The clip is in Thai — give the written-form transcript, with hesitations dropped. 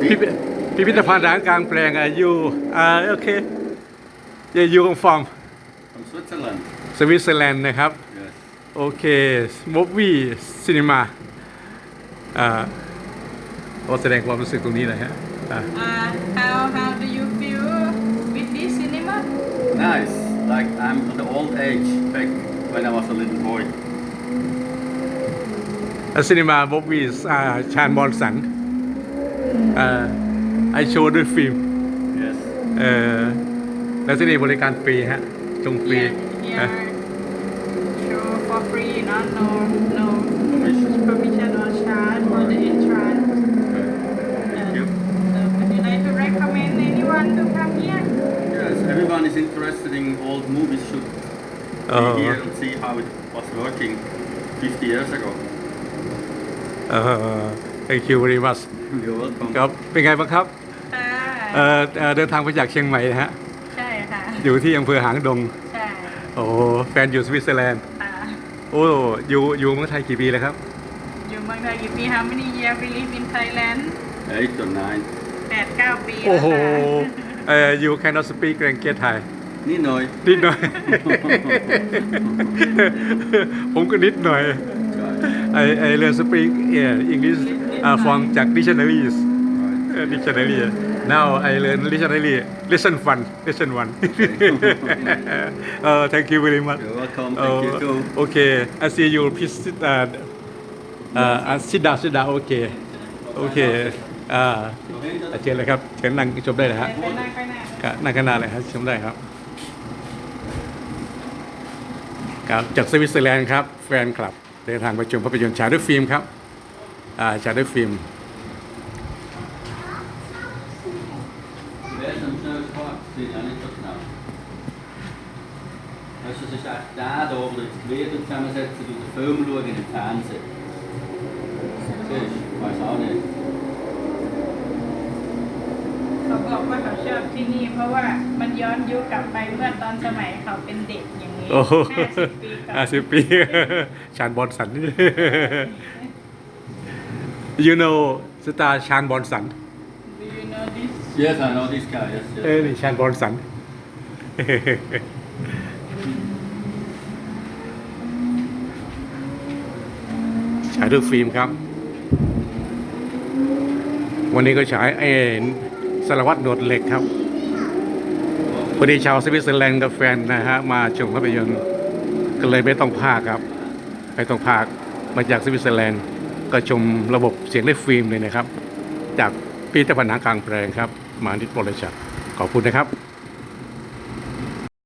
พิพิธภัณฑ์หนังกลางแปลงอยู่โอเคอยู่ของฟอร์ม From Switzerland. สวิตเซอร์แลนด์นะครับ Yes. โอเคมูฟวี่ซีนีมาก็แสดงความรู้สึกตรงนี้เลยฮะ How do you feel with this cinema? Nice. Like I'm at the old age back when I was a little boy. ซีนีมามูฟวี่ชาญบอลสันไอโชว์ด้วยฟิล์ม Yes. แล้วที่นี่บริการฟรีฮะชมฟรี Here, show for free, no Permission. permission or charge for the entrance. Thank you. Would you like to recommend anyone to come here? Yes, everyone is interested in old movies should be here and see how it was working 50 years ago. Thank you very much You're welcome. ครับเป็นไงบ้างครับค่ะเดินทางมาจากเชียงใหม่นะฮะใช่ค่ะอยู่ที่อำเภอหางดงใช่โอ้แฟนอยู่สวิตเซอร์แลนด์ค่ะโอ้อยู่เมืองไทยกี่ปีแล้วครับอยู่เมืองไทยกี่ปี How many years we live in Thailand? 8 or 9. 8-9 ปีโอ้แล้วโหค่ะ you cannot speak language Thai นิดหน่อยนิดหน่อย ผมก็นิดหน่อย I learn speak English from จาก dictionaries dictionary now I learn dictionary lesson one thank you very much You're welcome. Thank you too. okay I see you please sit down okay เชิญเลยครับเชิญนั่งชมได้เลยฮะไปนั่งไปนั่งครับนั่งข้างหน้าเลยครับชมได้ครับครับจากสวิตเซอร์แลนด์ครับแฟนคลับเดินทางไปชมภาพยนตร์ฉายด้วยฟิล์มครับฉายด้วยฟิล์ม Wer ist am schnellsten Fahrt? Das sehe ich auch nicht so genau. Weißt du, das ist echt der da, wo die Glieder zusammensetzen und den Film schauen im Fernsehen. Siehst du? Ich weiß auch nicht. เขาบอกว่าเขาชอบที่นี่เพราะว่ามันย้อนยุคกลับไปเมื่อตอนสมัยเขาเป็นเด็กอย่างนี้โอ้โห 50 ปีก่อน 50 ปีชานบอลสัน you know สตาร์ชานบอลสัน Do you know this? Yes, I know this guy. Yes, นี่ชานบอลสัน ฉายด้วยฟิล์มครับ วันนี้ก็ฉายสารวัตรหนวดเหล็กครับพอดีชาวสวิตเซอร์แลนด์กับแฟนนะฮะมาชมภาพยนตร์ก็เลยไม่ต้องพากครับไม่ต้องพากมาจากสวิตเซอร์แลนด์ก็ชมระบบเสียงด้วยฟิล์มเลยนะครับ จากพิพิธภัณฑ์หนังกลางแปลงครับมานิดโปรเลชัดขอบคุณนะครับ